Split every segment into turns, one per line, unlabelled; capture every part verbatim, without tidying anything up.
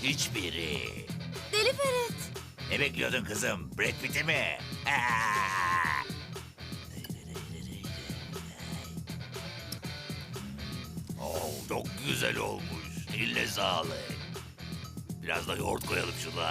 Hiçbiri.
Deli Ferit.
Ne bekliyordun kızım? Brad Pitt'i mi? Oh, çok güzel olmuş. Eline sağlık. Biraz da yoğurt koyalım şuna.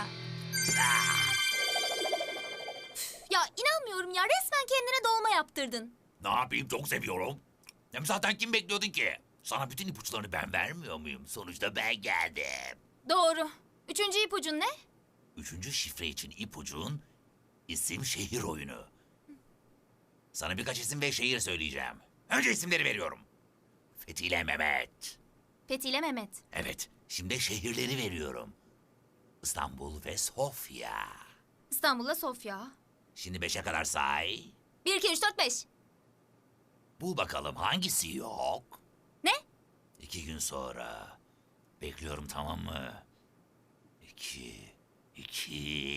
Ya inanmıyorum ya, resmen kendine dolma yaptırdın.
Ne yapayım, çok seviyorum. Hem zaten kim bekliyordun ki? Sana bütün ipuçlarını ben vermiyor muyum? Sonuçta ben geldim.
Doğru. Üçüncü ipucun ne?
Üçüncü şifre için ipucun isim şehir oyunu. Sana birkaç isim ve şehir söyleyeceğim. Önce isimleri veriyorum. Fethi ile Mehmet.
Fethi ile Mehmet.
Evet, şimdi şehirleri veriyorum. İstanbul ve Sofya.
İstanbul'la Sofya.
Şimdi beşe kadar say.
Bir, iki, üç, dört, beş.
Bul bakalım hangisi yok?
Ne?
İki gün sonra. Bekliyorum, tamam mı? İki, iki.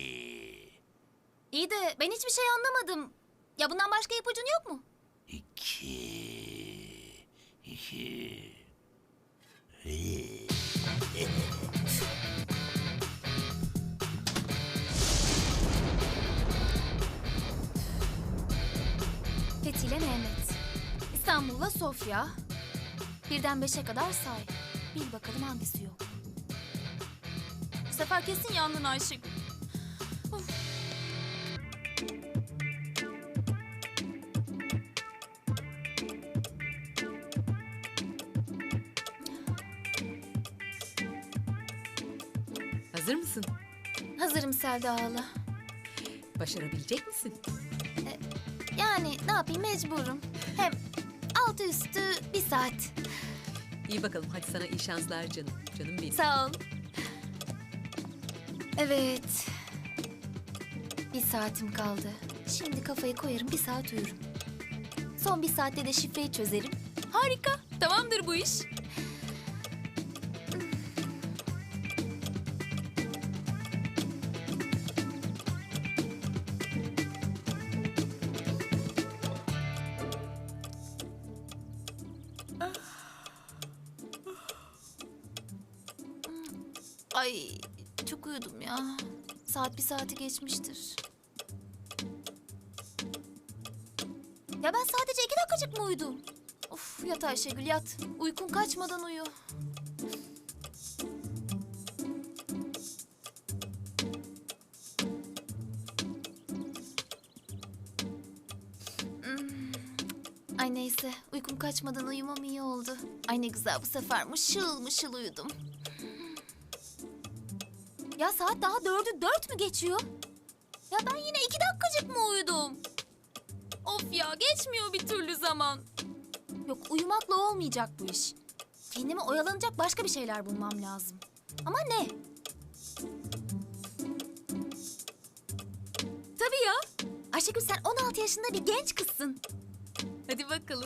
İyi de ben hiçbir şey anlamadım. Ya bundan başka ipucun yok mu?
İki, iki.
Fethi ile Mehmet. İstanbul'la Sofya. Birden beşe kadar say. Bil bakalım hangisi yok. Bu sefer kesin yandın Ayşegül. Of.
Hazır mısın?
Hazırım Selda hala.
Başarabilecek misin?
Yani ne yapayım, mecburum. Hem altı üstü bir saat.
İyi bakalım, hadi sana iyi şanslar canım. Canım benim.
Sağ ol. Evet. Bir saatim kaldı. Şimdi kafayı koyarım, bir saat uyurum. Son bir saatte de şifreyi çözerim. Harika. Tamamdır bu iş. Ay çok uyudum ya. Saat bir saati geçmiştir. Ya ben sadece iki dakikacık mı uyudum? Of, yat Ayşegül yat. Uykun kaçmadan uyu. Hmm. Ay neyse, uykum kaçmadan uyumam iyi oldu. Ay ne güzel, bu sefer mışıl mışıl uyudum. Ya saat daha dördü dört mü geçiyor? Ya ben yine iki dakikacık mı uyudum? Of ya, geçmiyor bir türlü zaman. Yok, uyumakla olmayacak bu iş. Kendime oyalanacak başka bir şeyler bulmam lazım. Ama ne? Tabii ya. Ayşegül, sen on altı yaşında bir genç kızsın. Hadi bakalım.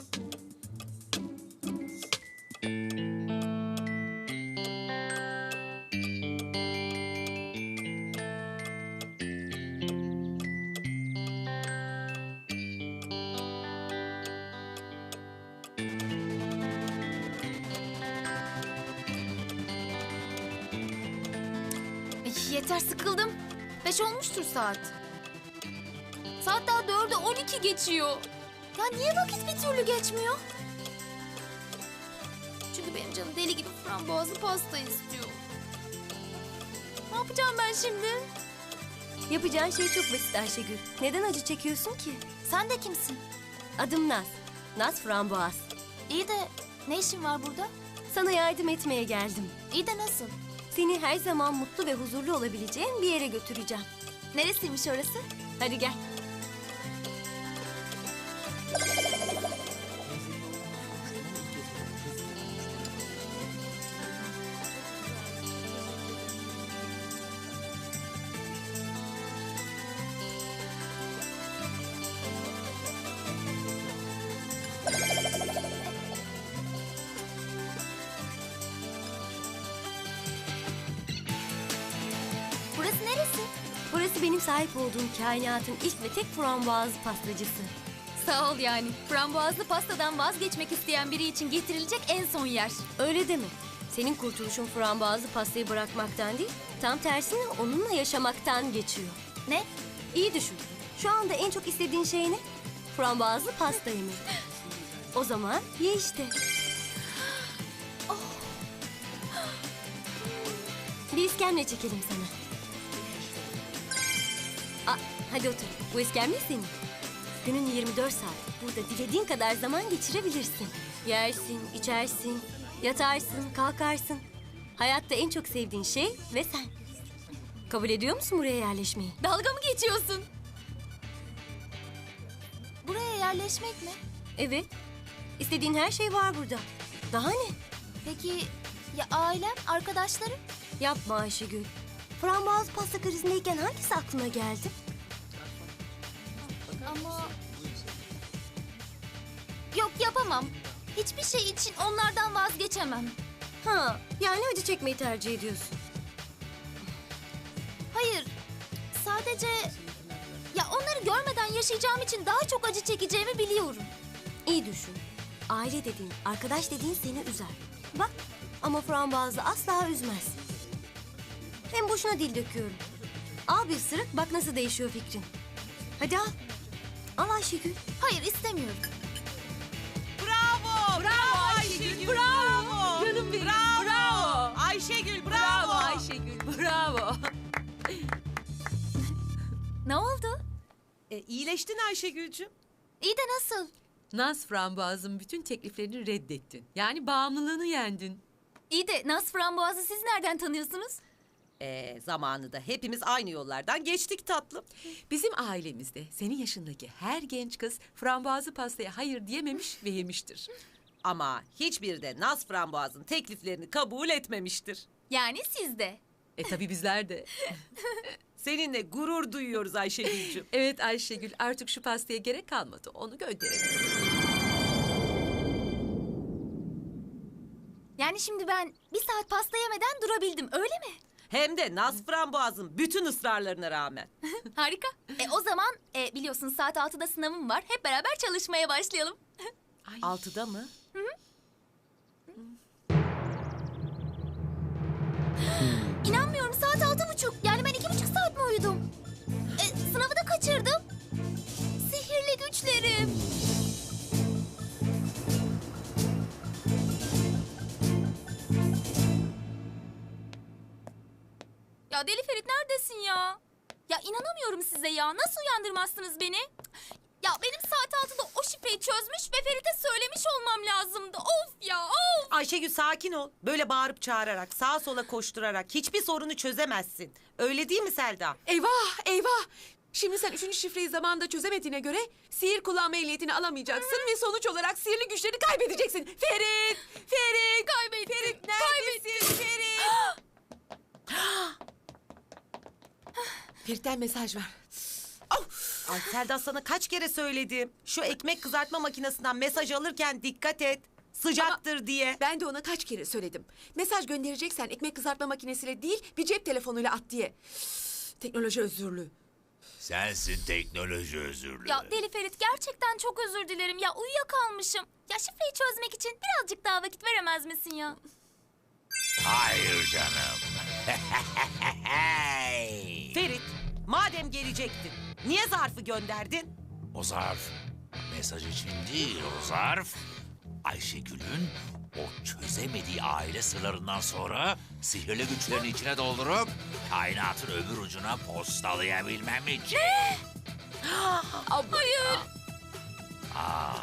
Ay, yeter, sıkıldım. Beş olmuştur saat. Saat daha dörde on iki geçiyor. Ya niye vakit bir türlü geçmiyor? Çünkü benim canım deli gibi frambuazlı pasta istiyor. Ne yapacağım ben şimdi?
Yapacağın şey çok basit Ayşegül. Neden acı çekiyorsun ki?
Sen de kimsin?
Adım Naz. Naz Framboğaz.
İyi de ne işin var burada?
Sana yardım etmeye geldim.
İyi de nasıl?
Seni her zaman mutlu ve huzurlu olabileceğin bir yere götüreceğim.
Neresiymiş orası?
Hadi gel.
Burası neresi?
Burası benim sahip olduğum kainatın ilk ve tek frambuazlı pastacısı.
Sağ ol yani. Frambuazlı pastadan vazgeçmek isteyen biri için getirilecek en son yer.
Öyle deme. Senin kurtuluşun frambuazlı pastayı bırakmaktan değil, tam tersine onunla yaşamaktan geçiyor.
Ne?
İyi düşün. Şu anda en çok istediğin şey ne? Frambuazlı pasta yemek. O zaman ye işte. Bir iskemle çekelim sana. Aa, hadi otur. Bu iskemle senin. Günün yirmi dört saat. Burada dilediğin kadar zaman geçirebilirsin. Yersin, içersin, yatarsın, kalkarsın. Hayatta en çok sevdiğin şey ve sen. Kabul ediyor musun buraya yerleşmeyi?
Dalga mı geçiyorsun? Buraya yerleşmek mi?
Evet. İstediğin her şey var burada. Daha ne?
Peki ya ailem, arkadaşlarım?
Yapma Ayşegül. Frambuaz pasta krizindeyken hangisi aklına geldi?
Ama... Yok yapamam. Hiçbir şey için onlardan vazgeçemem.
Ha, yani acı çekmeyi tercih ediyorsun.
Hayır. Sadece... Ya onları görmeden yaşayacağım için daha çok acı çekeceğimi biliyorum.
İyi düşün. Aile dediğin, arkadaş dediğin seni üzer. Bak, ama frambuazı asla üzmez. Hem boşuna dil döküyorum. Al bir ısırık, bak nasıl değişiyor fikrin. Hadi al. Al Ayşegül.
Hayır istemiyorum.
Bravo! Bravo Ayşegül! Bravo!
Canım benim,
Bravo!
bravo!
Ayşegül bravo!
Bravo Ayşegül, bravo.
Ne oldu?
E, iyileştin Ayşegül'cüm.
İyi de nasıl?
Naz frambuazın bütün tekliflerini reddettin. Yani bağımlılığını yendin.
İyi de Naz Framboğaz'ı siz nereden tanıyorsunuz?
E, zamanında hepimiz aynı yollardan geçtik tatlım.
Bizim ailemizde senin yaşındaki her genç kız frambuazlı pastaya hayır diyememiş ve yemiştir.
Ama hiçbiri de Naz Framboğaz'ın tekliflerini kabul etmemiştir.
Yani siz de.
E tabii bizler de.
Seninle gurur duyuyoruz Ayşegül'cüm.
Evet Ayşegül, artık şu pastaya gerek kalmadı. Onu gönderelim.
Yani şimdi ben bir saat pasta yemeden durabildim öyle mi?
Hem de Naz Framboğaz'ın bütün ısrarlarına rağmen.
Harika. E o zaman e, biliyorsun saat altıda sınavım var. Hep beraber çalışmaya başlayalım.
Ay.
Altıda mı?
İnanmıyorum saat altı buçuk. Yani ben iki buçuk saat mi uyudum? E, sınavı da kaçırdım. Sihirli güçlerim. Ya Deli Ferit neredesin ya? Ya inanamıyorum size ya. Nasıl uyandırmazsınız beni? Ya benim saat altıda o şifreyi çözmüş ve Ferit'e söylemiş olmam lazımdı. Of ya of.
Ayşegül sakin ol. Böyle bağırıp çağırarak, sağa sola koşturarak hiçbir sorunu çözemezsin. Öyle değil mi Selda?
Eyvah, eyvah. Şimdi sen üçüncü şifreyi zamanında çözemediğine göre sihir kullanma ehliyetini alamayacaksın ve sonuç olarak sihirli güçlerini kaybedeceksin. Ferit, Ferit,
Kaybettim.
Ferit neredesin Ferit? Ferit'ten mesaj var.
Ay Selda sana kaç kere söyledim. Şu ekmek kızartma makinesinden mesaj alırken dikkat et. Sıcaktır diye.
Ben de ona kaç kere söyledim. Mesaj göndereceksen ekmek kızartma makinesiyle değil bir cep telefonuyla at diye. Teknoloji özürlü.
Sensin teknoloji özürlü.
Ya Deli Ferit gerçekten çok özür dilerim ya uyuyakalmışım. Ya şifreyi çözmek için birazcık daha vakit veremez misin ya?
Hayır canım.
Ferit, madem gelecektin, niye zarfı gönderdin?
O zarf mesaj için değil, o zarf Ayşegül'ün o çözemediği aile sırlarından sonra sihirli güçlerini içine doldurup kainatın öbür ucuna postalayabilmem için.
Hayır.
Aa.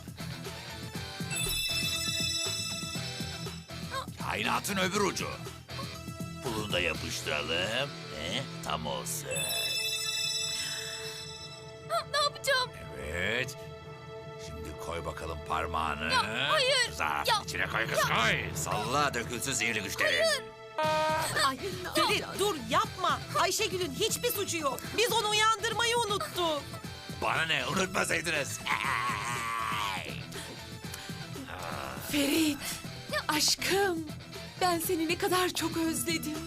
Kainatın öbür ucu. Bunu da yapıştıralım. Ne? Tam olsun.
Ne yapacağım?
Evet. Şimdi koy bakalım parmağını.
Ya, hayır.
Zarfın
Ya,
içine koy kız koy. Salla dökülsün sihirli güçlerin.
Ay,
Ferit dur yapma. Ayşegül'ün hiçbir suçu yok. Biz onu uyandırmayı unuttuk.
Bana ne unutmasaydınız.
Ferit, aşkım. Ben seni ne kadar çok özledim.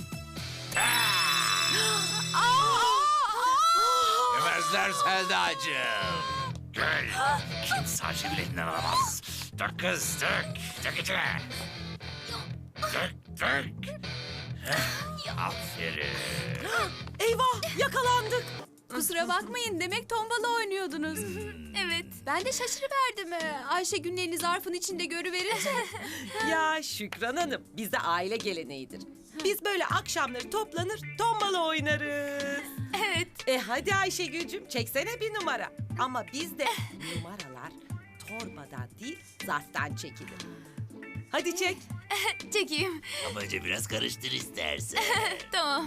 Yemezler Selda'cığım. Gel. Kimse Ayşegül elinden alamaz. Dök kız dök. Dök içine. Dök. dök. Heh, aferin.
Eyvah yakalandık.
Kusura bakmayın, demek tombala oynuyordunuz.
Evet.
Ben de şaşırıverdim ee, Ayşegül'ün elini zarfın içinde görüverince.
Ya Şükran Hanım bizde aile geleneğidir. Biz böyle akşamları toplanır tombala oynarız.
Evet.
E hadi Ayşegül'cüm çeksene bir numara. Ama bizde numaralar torbadan değil zarftan çekilir. Hadi çek.
Çekeyim.
Ama önce biraz karıştır istersen.
Tamam.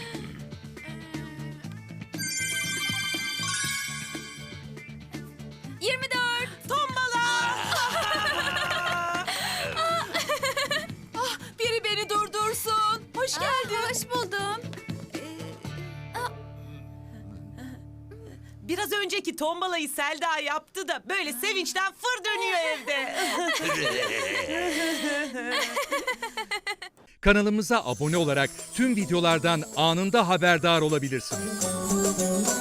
Yirmi dört.
Tombala.
Biri beni durdursun. Hoş geldin.
Hoş buldum.
Biraz önceki tombalayı Selda yaptı da böyle sevinçten fır dönüyor evde.
Kanalımıza abone olarak tüm videolardan anında haberdar olabilirsiniz.